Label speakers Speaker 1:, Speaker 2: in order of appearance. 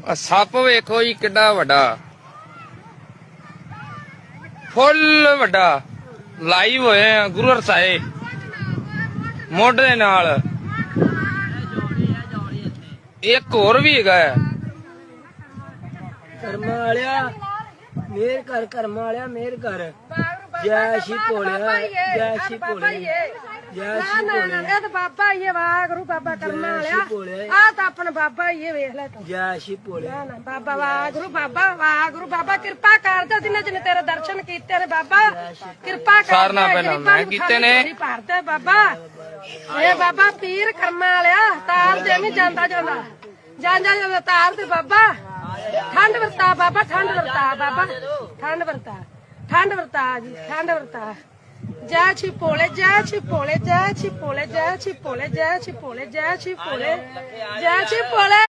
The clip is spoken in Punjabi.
Speaker 1: ਸੱਪ ਵੇਖੋ ਜੀ ਕਿੱਡਾ ਵੱਡਾ, ਫੁੱਲ ਵੱਡਾ। ਲਾਈਵ ਹੋਏ ਆ ਗੁਰੂ ਹਰਸਾਏ ਮੁੱਢ ਦੇ ਨਾਲ। ਇੱਕ ਹੋਰ ਵੀ ਹੈਗਾ ਹੈ।
Speaker 2: ਕਰਮਾਂ ਵਾਲਿਆ ਮੇਰ ਕਰ, ਕਰਮਾਂ ਵਾਲਿਆ ਮੇਰ ਕਰ। ਜੈ ਸ਼੍ਰੀ ਭੋਲਿਆ, ਜੈ ਸ਼੍ਰੀ ਭੋਲਿਆ, ਜੈ ਸ਼੍ਰੀ ਭੋਲਿਆ।
Speaker 3: ਤੇ ਬਾਬਾ ਹੀ ਵਾਹਿਗੁਰੂ ਬਾਬਾ ਕਰਮਾਂ ਵਾਲਿਆ। ਆ ਤਾਂ ਆਪਣਾ ਬਾਬਾ ਹੀ ਵੇਖ ਲੈ ਤੂੰ।
Speaker 2: ਜੈ ਸ਼੍ਰੀ ਭੋਲਿਆ।
Speaker 3: ਬਾਬਾ ਵਾਹਿਗੁਰੂ, ਬਾਬਾ ਵਾਹਿਗੁਰੂ, ਬਾਬਾ ਕਿਰਪਾ ਕਰਦਾ ਜਿੰਨੇ ਜਿੰਨੇ ਤੇਰੇ ਦਰਸ਼ਨ ਕੀਤੇ ਨੇ ਬਾਬਾ। ਕਿਰਪਾ ਕਰ
Speaker 1: ਸਾਰਨਾ ਪਹਿਲਾਂ ਮੈਂ ਕੀਤੇ ਨੇ।
Speaker 3: ਭਰਦੇ ਬਾਬਾ। ਇਹ ਬਾਬਾ ਪੀਰ ਕਰਮਾਂ ਵਾਲਿਆ ਤਾਰ ਦੇ ਨਹੀਂ ਜਾਂਦਾ ਜਾਂਦਾ ਜਾਂਦਾ ਤਾਰ ਤੇ ਬਾਬਾ। ਠੰਡ ਵਰਤਾ ਬਾਬਾ, ਠੰਡ ਵਰਤਾ ਬਾਬਾ, ਠੰਡ ਵਰਤਾ, ਠੰਡ ਵਰਤਾ ਜੀ, ਠੰਡ ਵਰਤਾ। ਜੈ ਛੀ ਭੋਲੇ, ਜੈ ਛੀ ਭੋਲੇ, ਜੈ ਛੀ ਭੋਲੇ, ਜੈ ਛੀ ਭੋਲੇ, ਜੈ ਛੀ ਭੋਲੇ, ਜੈ ਛੀ ਭੋਲੇ, ਜੈ ਛੀ ਭੋਲੇ।